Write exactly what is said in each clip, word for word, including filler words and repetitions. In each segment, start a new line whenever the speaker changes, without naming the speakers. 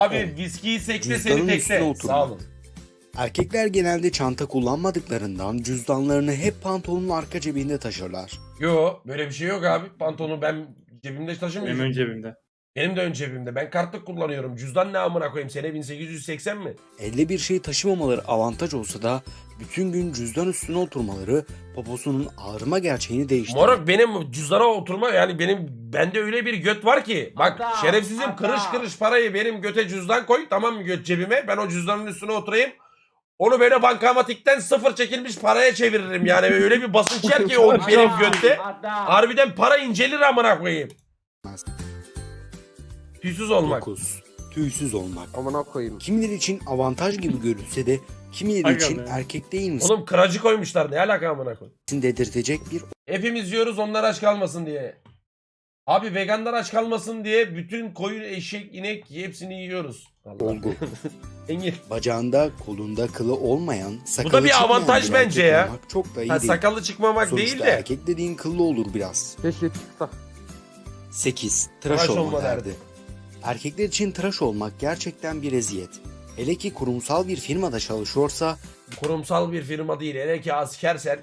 Abi viskiyi sekte seni
Cüzdanın üstüne
tekte.
oturma.
Sağ olun.
Erkekler genelde çanta kullanmadıklarından cüzdanlarını hep pantolonun arka cebinde taşırlar.
Yo böyle bir şey yok abi. Pantolonu ben cebimde taşımıyorum.
Benim ön cebimde.
Benim de ön cebimde. Ben kartlık kullanıyorum. Cüzdan ne amına koyayım? Sene bin sekiz yüz seksen mi?
Elde bir şey taşımamaları avantaj olsa da bütün gün cüzdan üstüne oturmaları poposunun ağrıma gerçeğini değiştirir.
Moruk benim cüzdana oturma yani benim bende öyle bir göt var ki. Bak
Adam,
şerefsizim
adam.
kırış kırış parayı benim göte cüzdan koy, tamam mı, göt cebime. Ben o cüzdanın üstüne oturayım. Onu böyle bankamatikten sıfır çekilmiş paraya çeviririm yani. Öyle bir basınç yer ki o benim götte.
Adam.
Harbiden para incelir amına koyayım. Tüysüz olmak.
dokuz. Tüysüz olmak.
Amına koyayım.
Kimileri için avantaj gibi görülse de kimileri
Aga
için
be.
erkek değil misin
Oğlum kıracı koymuşlar, ne alaka amına koyayım.
dedirtecek bir
Hepimiz yiyoruz onlar aç kalmasın diye. Abi veganlar aç kalmasın diye bütün koyun, eşek, inek hepsini yiyoruz. Allah.
olgu.
Engin.
Bacağında, kolunda kılı olmayan, sakalı
Bu da bir
çıkmayan
avantaj
bir
bence
erkek
ya.
olmak çok da iyi
Ha,
değil.
sakallı çıkmamak
Sonuçta
değil de.
erkek dediğin kıllı olur biraz.
Keşke çıksa.
sekiz. Tıraş,
Tıraş
olma
olma
derdi.
derdi.
Erkekler için tıraş olmak gerçekten bir eziyet. Hele ki kurumsal bir firmada çalışıyorsa
Kurumsal bir firma değil. Hele ki askersen.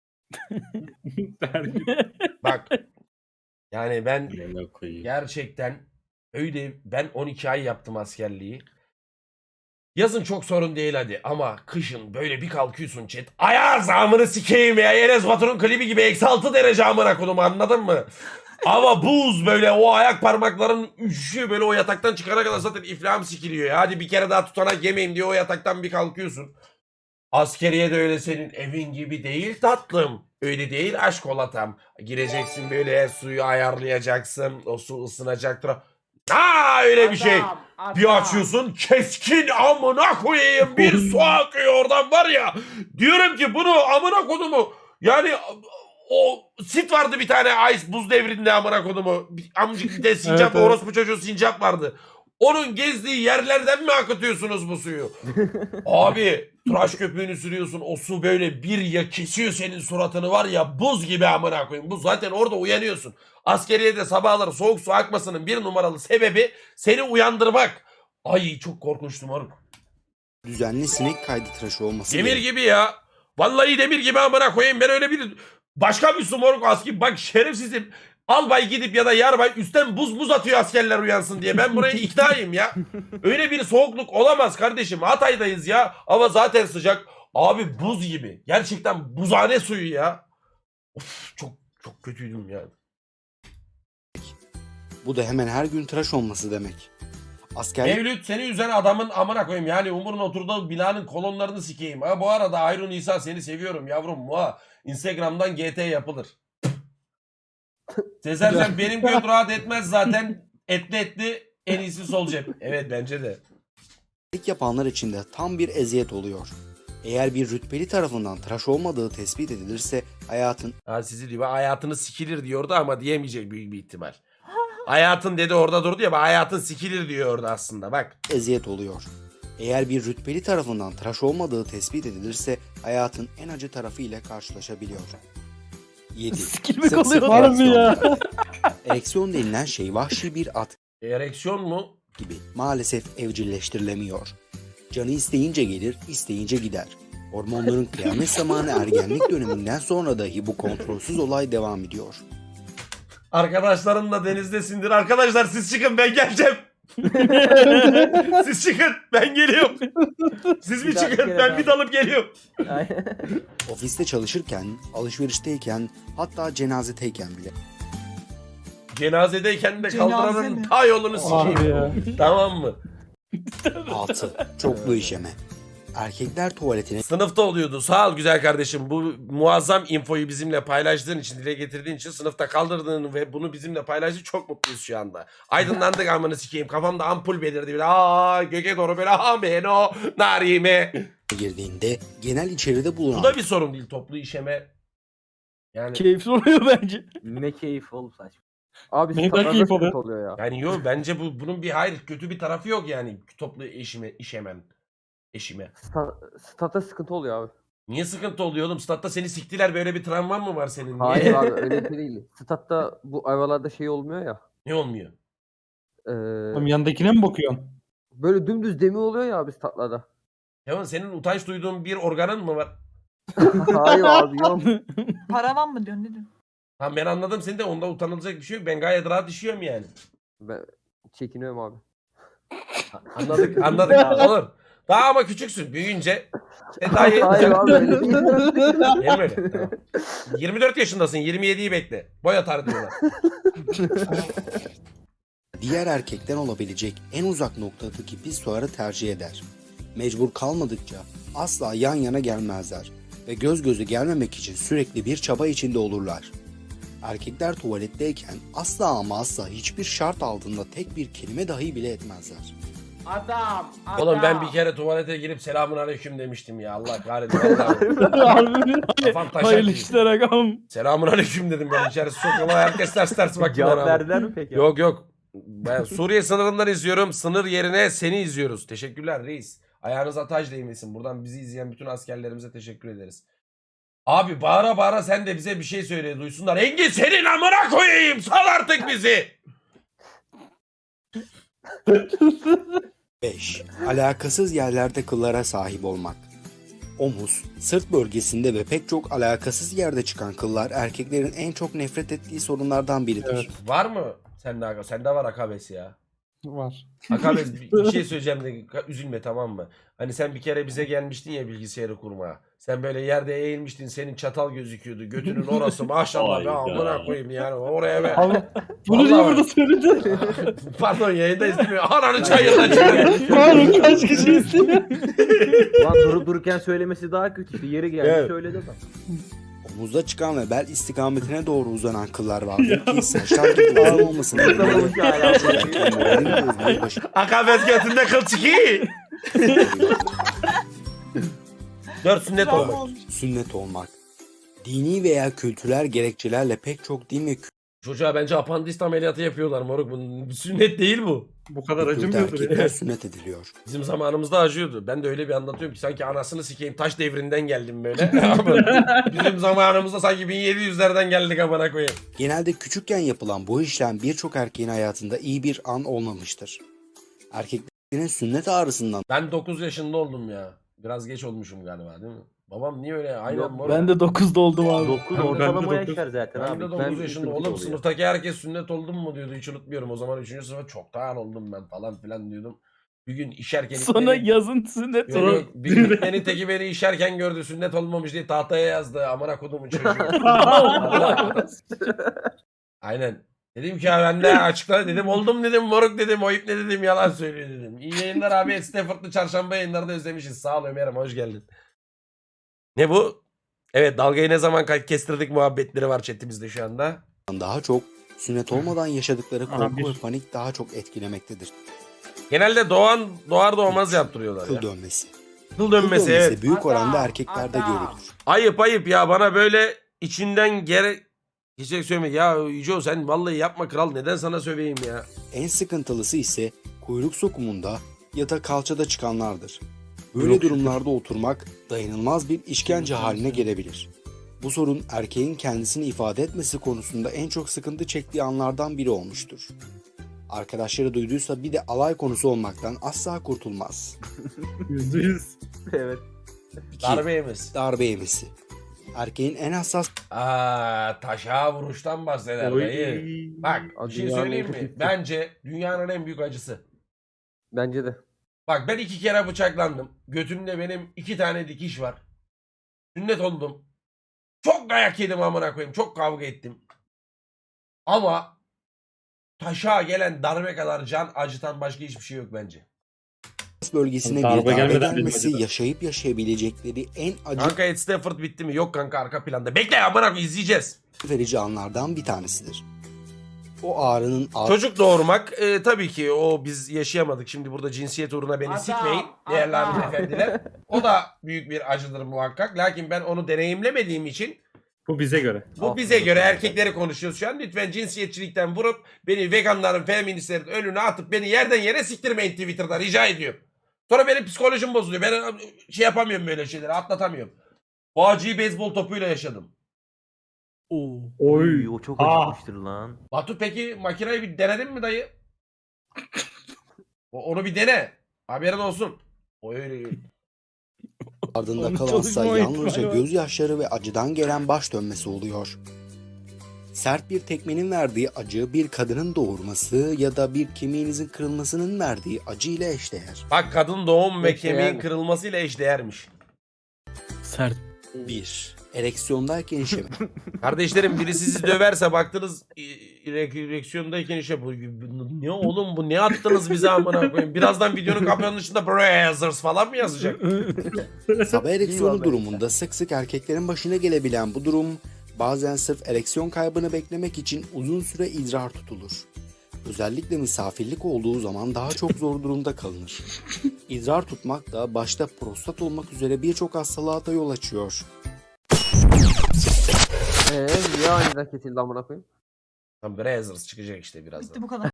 Bak. Yani ben
Amına koyayım.
gerçekten öyle, ben on iki ay yaptım askerliği. Yazın çok sorun değil hadi ama kışın böyle bir kalkıyorsun chat. Ayaz amını sikeyim ya. Enes Batur'un klibi gibi eksi altı derece amına konumu, anladın mı? Hava buz, böyle o ayak parmakların üşüyor, böyle o yataktan çıkana kadar zaten iflahım sikiliyor ya. Hadi bir kere daha tutanak yemeyeyim diye o yataktan bir kalkıyorsun. Askeriye de öyle senin evin gibi değil tatlım. Öyle değil aşk olatam. Gireceksin böyle, suyu ayarlayacaksın. O su ısınacaktır. Aa öyle bir şey.
Adam, adam.
Bir açıyorsun keskin amına koyayım bir su akıyor oradan var ya. Diyorum ki bunu amına kodumu. Yani o sit vardı bir tane ice buz devrinde amına kodumu. Bir Amcık bir de sincap,
Evet, evet.
orospu çocuğu sincap vardı. Onun gezdiği yerlerden mi akıtıyorsunuz bu suyu? Abi tıraş köpüğünü sürüyorsun, o su böyle bir ya kesiyor senin suratını var ya, buz gibi amına koyayım. Bu zaten orada uyanıyorsun. Askeriyede sabahları soğuk su akmasının bir numaralı sebebi seni uyandırmak. Ay çok korkunçtum oğlum.
düzenli sinek kaydı tıraşı olması
Demir
gerek.
gibi ya. Vallahi demir gibi amına koyayım. Ben öyle bir başka bir su moruk aski. Bak şerefsizim. Albay gidip ya da yarbay üstten buz buz atıyor askerler uyansın diye. Ben buraya iknayım ya. Öyle bir soğukluk olamaz kardeşim. Hatay'dayız ya. Hava zaten sıcak. Abi buz gibi. Gerçekten buzhane suyu ya. Of çok çok kötüydüm ya.
Bu da hemen her gün tıraş olması demek. Askerlik
Mevlüt seni üzen adamın amına koyayım. Yani Umur'un oturduğu binanın kolonlarını sikeyim. Ha, bu arada Hayrun İsa seni seviyorum yavrum. Muha. Instagram'dan G T yapılır. Sezercan benim göt rahat etmez zaten. Etli etli en iyisi sol cep. Evet bence de.
yapanlar için de tam bir eziyet oluyor. Eğer bir rütbeli tarafından tıraş olmadığı tespit edilirse hayatın
Ha sizi diyor hayatını sikilir diyordu ama diyemeyecek büyük bir ihtimal. Hayatın dedi orada durdu ya, bak hayatın sikilir diyor orada aslında bak.
eziyet oluyor. Eğer bir rütbeli tarafından tıraş olmadığı tespit edilirse hayatın en acı tarafı ile karşılaşabiliyor. yedi.
Sikilmek
Sık sık
oluyor. Harbi ya.
ereksiyon. Ereksiyon denilen şey vahşi bir at
Ereksiyon mu?
gibi maalesef evcilleştirilemiyor. Canı isteyince gelir, isteyince gider. Hormonların kıyamet zamanı ergenlik döneminden sonra dahi bu kontrolsüz olay devam ediyor.
Arkadaşların da denizdesindir. Arkadaşlar siz çıkın ben geleceğim. Siz çıkın ben geliyorum. Siz bir
Bir daha-
çıkın
bir kere
ben
daha.
bir dalıp geliyorum.
Ofiste çalışırken, alışverişteyken, hatta cenazedeyken bile.
Cenazedeyken de
Cenaze
kaldıranın
mi?
ta yolunu
Abi
sikeyim.
ya.
Tamam mı?
altı. Çoklu işeme. Erkekler tuvaletine
Sınıfta oluyordu. Sağ ol güzel kardeşim. Bu muazzam infoyu bizimle paylaştığın için, dile getirdiğin için, sınıfta kaldırdığın ve bunu bizimle paylaştığın çok mutluyuz şu anda. Aydınlandık amını sikeyim. Kafamda ampul belirdi. Böyle aa göke doğru böyle amen o narime.
girdiğinde genel içeride bulunan
Bu da bir sorun değil, toplu işeme. Yani
Keyifli oluyor bence.
Ne keyif oğlum saçma. Abi
Ne kadar
statlarda
keyif
sıkıntı
oluyor.
oluyor ya.
yani yok bence bu bunun bir hayır kötü bir tarafı yok yani, toplu işime işemem. Eşime.
Sta statta sıkıntı oluyor abi.
Niye sıkıntı oluyor oğlum? Statta seni siktiler, böyle bir travman mı var senin? Niye?
Hayır abi öyle bir şey değil. Statta bu ayvalarda şey olmuyor ya.
Ne olmuyor?
Eee
Oğlum yanındakine mi bakıyorsun?
Böyle dümdüz demir oluyor ya abi statlarda.
Yaman senin utanç duyduğun bir organın mı var?
Hayır abi yok.
Paravan mı diyorsun ne diyorsun?
Tamam ben anladım seni de onda utanılacak bir şey yok. Ben gayet rahat işiyorum yani.
Ben çekiniyorum abi.
Anladık anladık olur. Daha ama küçüksün büyüyünce. E daha iyi.
Hayır abi öyle değil.
Değil mi öyle? Tamam. yirmi dört yaşındasın yirmi yediyi bekle. Boy atar diyorlar.
Diğer erkekten olabilecek en uzak noktadaki pisuarı tercih eder. Mecbur kalmadıkça asla yan yana gelmezler ve göz göze gelmemek için sürekli bir çaba içinde olurlar. Erkekler tuvaletteyken asla ama asla hiçbir şart altında tek bir kelime dahi bile etmezler.
Adam, adam.
Oğlum ben bir kere tuvalete girip selamun aleyküm demiştim ya. Allah kahretsin. Vallahi.
Harbi
Kafam taşak
hayırlı
gibi.
işler agam.
Selamun aleyküm dedim ben. İçerisi çok yola herkes ters ters baktı.
Cevap
bana.
verdiler mi peki?
Yok yok. Ben Suriye sınırından izliyorum. Sınır yerine seni izliyoruz. Teşekkürler reis. Ayağınıza taş değmesin. Buradan bizi izleyen bütün askerlerimize teşekkür ederiz. Abi bağıra bağıra sen de bize bir şey söyle duysunlar. Engin senin amına koyayım. Sal artık bizi.
beş. Alakasız yerlerde kıllara sahip olmak. Omuz, sırt bölgesinde ve pek çok alakasız yerde çıkan kıllar erkeklerin en çok nefret ettiği sorunlardan biridir.
Evet.
Var mı? Sende aga. Sende var akabes ya.
Var.
Akabes bir bir şey söyleyeceğim de üzülme tamam mı? Hani sen bir kere bize gelmiştin ya bilgisayarı kurmaya. Sen böyle yerde eğilmiştin senin çatal gözüküyordu. Götünün orası maşallah be amına koyayım yani oraya be.
Allah. Bunu niye
Vallahi
burada söyledi?
Pardon yayında izlemiyor. Ananı çayırdan çıkıyor.
Harun kaç kişi istiyor?
Lan durup dururken söylemesi daha kötü. Yeri geldi
Evet.
söyledi adam.
Omuzda çıkan ve bel istikametine doğru uzanan kıllar vardır ki saçlar gibi uzun olmasının
Anlamadım ki hala.
erkeklerin moralini bozmayı başarıyor.
Akabes götünde kıl çıkıyor. Dört sünnet
Travma
olmak.
olmuş.
Sünnet olmak. Dini veya kültürel gerekçelerle pek çok din ve
Çocuğa bence apandist ameliyatı yapıyorlar moruk. Bunun sünnet değil bu.
Bu kadar
kültürde
acımıyordur
erkekler
ya.
sünnet ediliyor.
Bizim zamanımızda acıyordu. Ben de öyle bir anlatıyorum ki sanki anasını sikeyim taş devrinden geldim böyle. Ama bizim zamanımızda sanki bin yedi yüzlerden geldik amına koyayım.
Genelde küçükken yapılan bu işlem birçok erkeğin hayatında iyi bir an olmamıştır. Erkeklerin sünnet ağrısından
Ben dokuz yaşında oldum ya. Biraz geç olmuşum galiba değil mi? Babam niye öyle? Aynen
Yok,
moruk.
Ben de dokuzda oldum abi.
dokuz
Ben de
ortalama
dokuz.
yaşar zaten
Ben
abi.
de dokuz yaşında
sıkıntı
oğlum
oluyor.
sınıftaki herkes sünnet oldun mu diyordu hiç unutmuyorum. O zaman üçüncü sınıfa çoktan oldum ben falan filan diyordum. Bir gün işerken
Sonra
İkmen'in-
yazın sünnet.
Yok, yok, bir gün İkmen'in teki beni işerken gördü sünnet olmamış diye tahtaya yazdı. Amına kodumun çocuğu. Aynen. Dedim ki ya ben de açıkla dedim oldum dedim moruk dedim o ip ne dedim yalan söylüyor dedim. İyi yayınlar abi Stafford'lı çarşamba yayınları da özlemişiz. Sağ ol Ömer'im hoş geldin. Ne bu? Evet dalgayı ne zaman ka- kestirdik muhabbetleri var chatimizde şu anda.
daha çok sünnet olmadan yaşadıkları
Aha,
korku
bir.
ve panik daha çok etkilemektedir.
Genelde doğan doğar doğmaz yaptırıyorlar
Kıl
ya.
dönmesi.
Kıl
Kıl
dönmesi evet.
büyük oranda
Adam,
erkeklerde
adam.
görülür.
Ayıp ayıp ya bana böyle içinden gere... Geçecek söyleme ya Yüce sen vallahi yapma kral neden sana söveyim ya.
En sıkıntılısı ise kuyruk sokumunda ya da kalçada çıkanlardır. Böyle
Yok,
durumlarda oturmak dayanılmaz bir işkence haline gelebilir. Bu sorun erkeğin kendisini ifade etmesi konusunda en çok sıkıntı çektiği anlardan biri olmuştur. Arkadaşları duyduysa bir de alay konusu olmaktan asla kurtulmaz.
Yüzde yüz.
Evet.
İki,
Darbe yemez.
darbe yemesi. Erkeğin en hassas
Aa taşa vuruştan bahseder dayı. Bak bir şey
Dünyanın
söyleyeyim
en
mi?
kötüsü.
Bence dünyanın en büyük acısı.
Bence de.
Bak ben iki kere bıçaklandım. Götümde benim iki tane dikiş var. Sünnet oldum. Çok dayak yedim amına koyayım. Çok kavga ettim. Ama taşa gelen darbe kadar can acıtan başka hiçbir şey yok bence.
bölgesine
Darbe
bir darbe
gelmeden benim
gelmesi
acıdı.
yaşayıp yaşayabilecekleri en acı
Kanka Ed Stafford bitti mi? Yok kanka arka planda. Bekle amına koyayım izleyeceğiz.
verici anlardan bir tanesidir. O ağrının ağır
Çocuk doğurmak e, tabii ki o biz yaşayamadık. Şimdi burada cinsiyet uğruna beni
Adam,
sikmeyin değerli
adam.
hanımefendiler. O da büyük bir acıdır muhakkak. Lakin ben onu deneyimlemediğim için
Bu bize göre.
bu bize göre erkekleri konuşuyoruz şu an. Lütfen cinsiyetçilikten vurup beni veganların, feministlerin önüne atıp beni yerden yere siktirmeyin Twitter'da rica ediyorum. Sonra benim psikolojim bozuluyor. Ben şey yapamıyorum böyle şeyleri atlatamıyorum. Bu acıyı beyzbol topuyla yaşadım.
Oo.
Oy, o çok
Aa.
acımıştır lan.
Batu peki makineyi bir denedin mi dayı? O- Onu bir dene. Haberin olsun. O öyle.
Ardında
Onun
kalansa
çalışma
yalnızca
ihtimali var.
gözyaşları ve acıdan gelen baş dönmesi oluyor. Sert bir tekmenin verdiği acı bir kadının doğurması ya da bir kemiğinizin kırılmasının verdiği acı ile eşdeğer.
Bak kadın doğum ve
Eşdeğer
kemiğin
mi?
kırılmasıyla eşdeğermiş.
Sert.
bir. Ereksiyondayken işeme.
Kardeşlerim biri sizi döverse baktınız ereksiyondayken işe bu ne oğlum bu ne attınız bize amına koyayım. Birazdan videonun kapanışında Brazzers falan mı yazacak?
Sabah ereksiyonu
Eyvallah.
durumunda sık sık erkeklerin başına gelebilen bu durum bazen sırf ereksiyon kaybını beklemek için uzun süre idrar tutulur. Özellikle misafirlik olduğu zaman daha çok zor durumda kalınır. İdrar tutmak da başta prostat olmak üzere birçok hastalığa da yol açıyor.
Eee niye aniden kesildi amına koyayım?
Tam Brazzers çıkacak işte birazdan.
Bitti bu kadar.